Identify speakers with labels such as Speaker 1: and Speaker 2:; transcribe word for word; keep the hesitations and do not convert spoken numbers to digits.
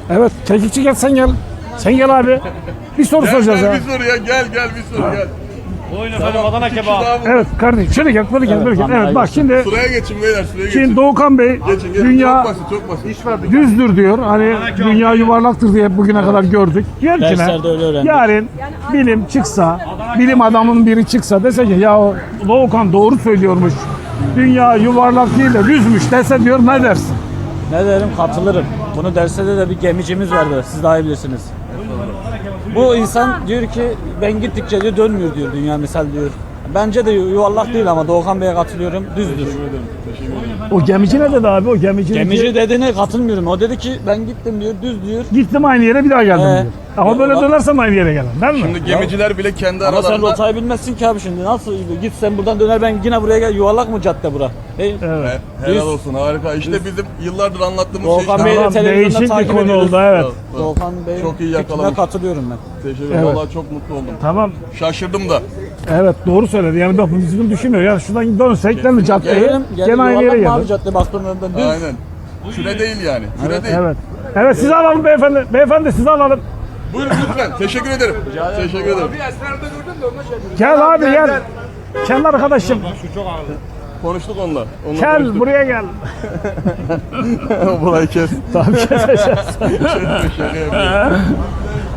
Speaker 1: Evet, kekikçi gel sen gel. Sen gel abi. Bir soru
Speaker 2: Gel,
Speaker 1: soracağız
Speaker 2: gel
Speaker 1: ya.
Speaker 2: bir soru ya gel gel bir soru gel.
Speaker 3: Buyurun efendim Adana
Speaker 2: İki kişi
Speaker 3: kebap.
Speaker 2: daha bu-
Speaker 1: Evet kardeşim şöyle gel, böyle gel, böyle gel. Evet bak şimdi,
Speaker 2: Sıraya geçin beyler sıraya geçin.
Speaker 1: şimdi Doğukan Bey
Speaker 2: Geçin geçin.
Speaker 1: dünya
Speaker 2: Çok basit çok basit. İş verdik.
Speaker 1: düzdür diyor. Hani dünya yuvarlaktır diye bugüne kadar gördük. Diyor ki ne?
Speaker 3: Derslerde öyle öğrendik.
Speaker 1: Yarın bilim çıksa, bilim adamının biri çıksa dese ki ya o Doğukan doğru söylüyormuş. Dünya yuvarlak değil de düzmüş dese diyor, ne dersin?
Speaker 3: Ne derim, katılırım. Bunu derste de, de bir gemicimiz vardı. Siz daha iyi bilirsiniz. Bu insan diyor ki ben gittikçe diyor dönmüyor diyor dünya misal diyor. Bence de yuvarlak değil ama Doğukan Bey'e katılıyorum. Düzdür.
Speaker 1: O gemici ne dedi abi? O gemici,
Speaker 3: Gemici
Speaker 1: dedi,
Speaker 3: dediğine katılmıyorum. O dedi ki ben gittim diyor, düz diyor.
Speaker 1: gittim aynı yere bir daha geldim
Speaker 3: Ee,
Speaker 1: diyor. Ama
Speaker 3: ya
Speaker 1: böyle
Speaker 3: bak-
Speaker 1: dönersem aynı yere gelirim değil mi?
Speaker 2: Şimdi gemiciler bile kendi
Speaker 3: Ama sen
Speaker 2: aralarında.
Speaker 3: rotayı bilmezsin ki abi şimdi. Nasıl git sen buradan döner ben yine buraya gel. Yuvarlak mı cadde bura? Değil.
Speaker 1: Evet.
Speaker 2: He, helal
Speaker 3: Düz.
Speaker 2: olsun harika. İşte bizim yıllardır anlattığımız şey
Speaker 3: Doğukan
Speaker 2: işte.
Speaker 3: Bey de
Speaker 1: Tamam,
Speaker 3: televizyonda
Speaker 1: değişik bir
Speaker 3: takip
Speaker 1: konu
Speaker 3: ediyoruz.
Speaker 1: oldu, evet.
Speaker 3: Doğukan Bey'in
Speaker 2: Çok iyi
Speaker 3: fikrine
Speaker 2: yakalamış.
Speaker 3: katılıyorum ben.
Speaker 2: Teşekkür
Speaker 1: Evet.
Speaker 2: ederim. Vallahi çok mutlu oldum.
Speaker 1: Tamam.
Speaker 2: Şaşırdım da.
Speaker 1: Evet doğru söyledi. Yani bak bizim düşünmüyor. Ya şuradan dönsek değil mi caddeye?
Speaker 3: Gelelim,
Speaker 1: Gene aynı yere
Speaker 3: yuvarlak mı abi
Speaker 1: geliriz.
Speaker 3: cadde baktığın önünden düz.
Speaker 2: Aynen. Küre değil yani. Küre değil.
Speaker 1: Evet. Evet sizi alalım beyefendi. Beyefendi sizi alalım.
Speaker 2: Buyurun lütfen. Teşekkür ederim. Teşekkür ederim.
Speaker 1: Gel abi gel. Gel arkadaşım.
Speaker 2: Konuştuk onunla. onunla
Speaker 1: Gel
Speaker 2: konuştuk.
Speaker 1: buraya gel.
Speaker 2: Burayı kes.
Speaker 1: Tamam keseceğiz.
Speaker 2: Şaka yapıyorum.